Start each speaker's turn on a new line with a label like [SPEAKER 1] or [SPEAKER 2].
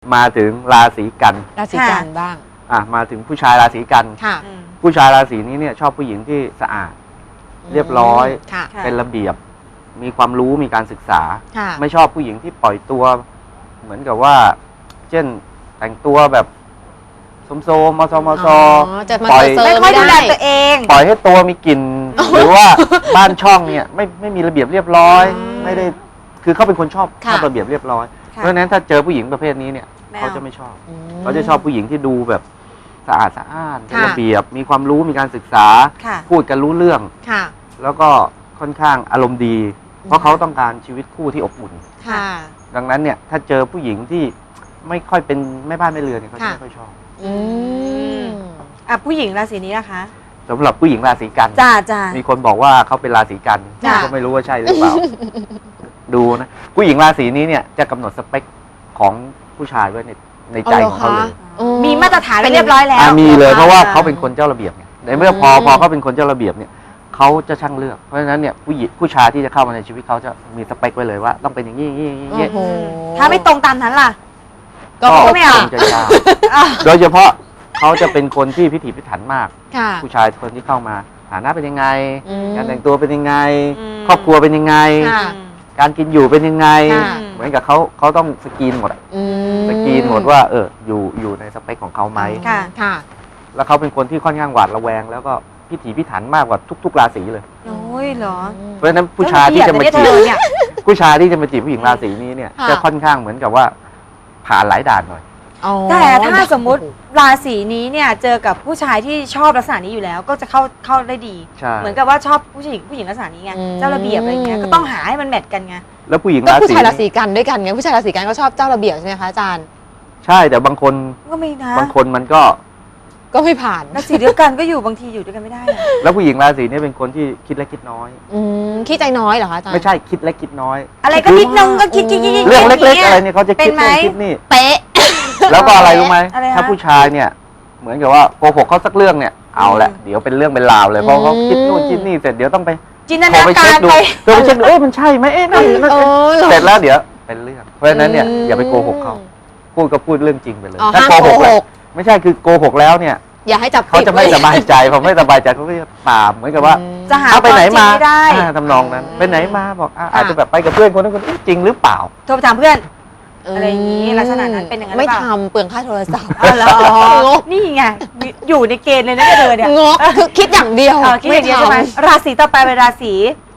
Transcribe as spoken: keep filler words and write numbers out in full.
[SPEAKER 1] มาถึงราศีกัน
[SPEAKER 2] ราศีกันบ้าง
[SPEAKER 1] อ่ะมาถึงผู้ชายราศีกัน
[SPEAKER 2] ค่ะ
[SPEAKER 1] ผู้ชายราศีนี้เนี่ยชอบผู้หญิงที่สะอาดเรียบร้อย
[SPEAKER 2] ค่ะ
[SPEAKER 1] เป็นระเบียบ มีความรู้มีการศึกษา
[SPEAKER 2] ค่ะ
[SPEAKER 1] ไม่ชอบผู้หญิงที่ปล่อยตัว เหมือนกับว่า เช่นแต่งตัวแบบโสมโซมมอซอมอซอ
[SPEAKER 2] จะมา
[SPEAKER 1] ปล่อย
[SPEAKER 2] เซอ
[SPEAKER 3] ไม่
[SPEAKER 2] ร์
[SPEAKER 3] ค่อย
[SPEAKER 2] ไม่
[SPEAKER 3] ดูแล
[SPEAKER 2] ได้
[SPEAKER 3] ตัวเอง
[SPEAKER 1] ปล่อยให้ตัวมีกลิ่นหรือว่าบ้านช่องเนี่ยไม่ไม่มีระเบียบเรียบร้อย
[SPEAKER 2] อืม
[SPEAKER 1] ไม่ได้คือเขาเป็นคนชอบช
[SPEAKER 2] ค่ะ
[SPEAKER 1] อบระเบียบเรียบร้อย
[SPEAKER 3] ค่ะ
[SPEAKER 1] เพราะฉะนั้นถ้าเจอผู้หญิงประเภทนี้เนี่ย
[SPEAKER 3] ไม่เอา
[SPEAKER 1] เขาจะไม่ชอบ
[SPEAKER 2] อืม
[SPEAKER 1] เขาจะชอบผู้หญิงที่ดูแบบสะอาดสะอ้านเป็น
[SPEAKER 2] ค่ะ
[SPEAKER 1] ระเบียบ มีความรู้มีการศึกษา
[SPEAKER 3] ค่ะ
[SPEAKER 1] พูดกันรู้เรื่อง
[SPEAKER 2] ค่ะ
[SPEAKER 1] แล้วก็ค่อนข้างอารมณ์ดี เพราะเขาต้องการชีวิตคู่ที่อบอุ่น
[SPEAKER 2] ค่ะ
[SPEAKER 1] ดังนั้นเนี่ยถ้าเจอผู้หญิงที่ไม่ค่อยเป็นแม่บ้านแม่เรือนเนี่ยเขาจะ
[SPEAKER 2] ค่ะ
[SPEAKER 1] ไม่ค่อยชอบ
[SPEAKER 2] อืม
[SPEAKER 3] อ่ะผู้หญิงราศีนี้นะคะ
[SPEAKER 1] สำหรับผู้หญิงราศีกัน
[SPEAKER 3] จ้าจ้า
[SPEAKER 1] มีคนบอกว่าเขาเป็นราศีกัน
[SPEAKER 3] จ้ะ
[SPEAKER 1] ก็ไม่รู้ว่าใช่หรือเปล่า ดูนะผู้หญิงราศีนี้เนี่ยจะกำหนดสเปคของผู้ชายไว้ในในใจของเขาเลย
[SPEAKER 2] อ๋อ
[SPEAKER 3] มีมาตรฐานไว้เรียบร้อยแล้ว
[SPEAKER 1] อ่ะมีเลยเพราะว่า
[SPEAKER 3] อ่
[SPEAKER 1] เขาเป็นคนเจ้าระเบียบไงในเมื่อพอ
[SPEAKER 2] อืม
[SPEAKER 1] พอเขาเป็นคนเจ้าระเบียบเนี่ยเขาจะช่างเลือกเพราะฉะนั้นเนี่ยผู้หญิงผู้ชายที่จะเข้ามาในชีวิตเขาจะมีสเปคไว้เลยว่าต้องเป็นอย่างนี้อย่างนี้อย่างนี้
[SPEAKER 2] โอ้โห
[SPEAKER 3] ถ้าไม่ตรงตามนั้นล่ะ
[SPEAKER 2] ก็
[SPEAKER 1] ก็
[SPEAKER 3] ไม่เอา
[SPEAKER 1] คงจะยากโดยเฉพาะเขาจะเป็นคนที่พิถีพิถันมาก
[SPEAKER 2] ค่ะ
[SPEAKER 1] ผู้ชายคนที่เข้ามาฐานะเป็นยังไง
[SPEAKER 2] อืม
[SPEAKER 1] การแต่งตัวเป็นยังไง
[SPEAKER 3] อืม
[SPEAKER 1] ครอบครัวเป็นยังไง
[SPEAKER 2] ค่ะ
[SPEAKER 1] การกินอยู่เป็นยังไง
[SPEAKER 2] ค่ะ
[SPEAKER 1] เหมือนกับเขาเขาต้องสกรีนหมดอะ
[SPEAKER 2] อืม
[SPEAKER 1] สกรีนหมดว่าเอออยู่อยู่ในสเปคของเขาไหม
[SPEAKER 3] ค่ะ
[SPEAKER 2] ค่ะ
[SPEAKER 1] แล้วเขาเป็นคนที่ค่อนข้างหวาดระแวง แล้วก็พิถีพิถันมากกว่าทุก ๆ ราศีเลย
[SPEAKER 3] โอ้ยเหรอ
[SPEAKER 1] เพราะฉะนั้นผู้ชายที่จะมา
[SPEAKER 3] เธ
[SPEAKER 1] จีบ
[SPEAKER 3] อเนี่ย
[SPEAKER 1] ผู้ชายที่จะมาจีบผู้หญิงราศีนี้เนี่ย
[SPEAKER 2] ค่ะ
[SPEAKER 1] จะค่อนข้างเหมือนกับว่าผ่านหลายด่านหน่อย
[SPEAKER 2] อ๋อ
[SPEAKER 3] แต่ถ้าสมมุติราศีนี้เนี่ยเจอกับผู้ชายที่ชอบลักษณะนี้อยู่แล้ว ก็จะเข้าเข้าได้ดี
[SPEAKER 1] ใช่
[SPEAKER 3] เหมือนกับว่าชอบผู้หญิงผู้หญิงลักษณะนี้ไง
[SPEAKER 2] อืม
[SPEAKER 3] เจ้าระเบียบอะไรเงี้ยก็ต้องหาให้มันแมทกันไง
[SPEAKER 1] แล้วผู้หญิง
[SPEAKER 2] ก็
[SPEAKER 1] รา
[SPEAKER 2] ผู้
[SPEAKER 1] ศี
[SPEAKER 2] ชายราศีกันด้วยกันไงผู้ชายราศีกันก็ชอบเจ้าระเบียบใช่ไหมคะอาจารย์
[SPEAKER 1] ใช่แต่บางคน
[SPEAKER 3] ก็ไม่นะ
[SPEAKER 1] บางคนมันก็
[SPEAKER 2] ก็ไม่ผ่าน
[SPEAKER 3] ราศีเดียวกันก็อยู่บางทีอยู่ด้วยกันไม่ได้อะ
[SPEAKER 1] แล้วผู้หญิงราศีนี้เป็นคนที่คิดเล็กคิดน้อย
[SPEAKER 2] อืมขี้ใจน้อยเหรอคะอาจารย์
[SPEAKER 1] ไม่ใช่คิดเล็กคิดน้อย
[SPEAKER 3] อะไรก็นิดนึงก็คิดคิดคิดคิด
[SPEAKER 1] เรื่องเล็ก ๆ อะไร
[SPEAKER 3] ย่างงี้ย
[SPEAKER 1] เนี่ยเขาจะ
[SPEAKER 3] เป็
[SPEAKER 1] คิด
[SPEAKER 3] นไหม
[SPEAKER 1] นู่นคิดนี่
[SPEAKER 2] เป๊ะ
[SPEAKER 1] แล้วก็อะไรรู้ไหม
[SPEAKER 3] อะไรฮะ
[SPEAKER 1] ถ้าผู้ชายเนี่ย เหมือนกับว่าโกหกเขาสักเรื่องเนี่ยเอาละเดี๋ยวเป็นเรื่องเป็นราวเลยเพราะเขาคิดนู่นคิดนี่เสร็จเดี๋ยวต้องไป
[SPEAKER 3] จินต
[SPEAKER 1] โทร
[SPEAKER 3] นา
[SPEAKER 1] ไป
[SPEAKER 3] กา
[SPEAKER 1] เช็ค
[SPEAKER 3] ร
[SPEAKER 1] ดู
[SPEAKER 3] ไป
[SPEAKER 1] โทรไปเช็คดูเอ๊ะมันใช่ไหมเอ๊ะนั่นนั่น
[SPEAKER 2] เออเหรอ
[SPEAKER 1] เสร็จแล้วเดี๋ยวเป็นเรื่อง เพราะฉะนั้นเนี่ยอย่าไปโกหกเขาพูดก็พูดเรื่องจริงไปเลย
[SPEAKER 2] อ๋อ
[SPEAKER 1] ถ้า
[SPEAKER 2] ห้าม
[SPEAKER 1] โกหก
[SPEAKER 2] โกห
[SPEAKER 1] แล้ว
[SPEAKER 2] ก
[SPEAKER 1] ไม่ใช่คือโกหกแล้วเนี่ย
[SPEAKER 2] อย่าให้จับ
[SPEAKER 1] เขาจะไม่
[SPEAKER 2] ผิด
[SPEAKER 1] สบายใจพอไม่สบายใจเขาก็จะตามเหมือนกับว่า
[SPEAKER 2] อืม
[SPEAKER 3] จะหา
[SPEAKER 1] เอาไปไหนมา
[SPEAKER 3] ควจริงไม่ได้
[SPEAKER 1] อ่าทำนองนั้น ไปไหนมาบอกอ่า
[SPEAKER 2] ค่ะ
[SPEAKER 1] อาจจะแบบไปกับเพื่อนคนนั้นคนนี้จริงหรือเปล่า
[SPEAKER 3] โทรไปถามเพื่อน อะไรอย่างนี้ลักษณะนั้นเป็นอย่างนั้นหรื
[SPEAKER 2] ไม่
[SPEAKER 3] อเปล่า
[SPEAKER 2] ทำเปลืองค่าโทรศัพท์
[SPEAKER 3] อ๋อเหรอง
[SPEAKER 2] ก
[SPEAKER 3] นี่ไงอยู่ในเกณฑ์เลยนะเธอเนี่ย
[SPEAKER 2] งกคือคิดอย่างเดียว
[SPEAKER 3] เออคิดอย่างเดียวใช่ไหม
[SPEAKER 2] ทำ
[SPEAKER 3] ราศีต่อไปเป็นราศี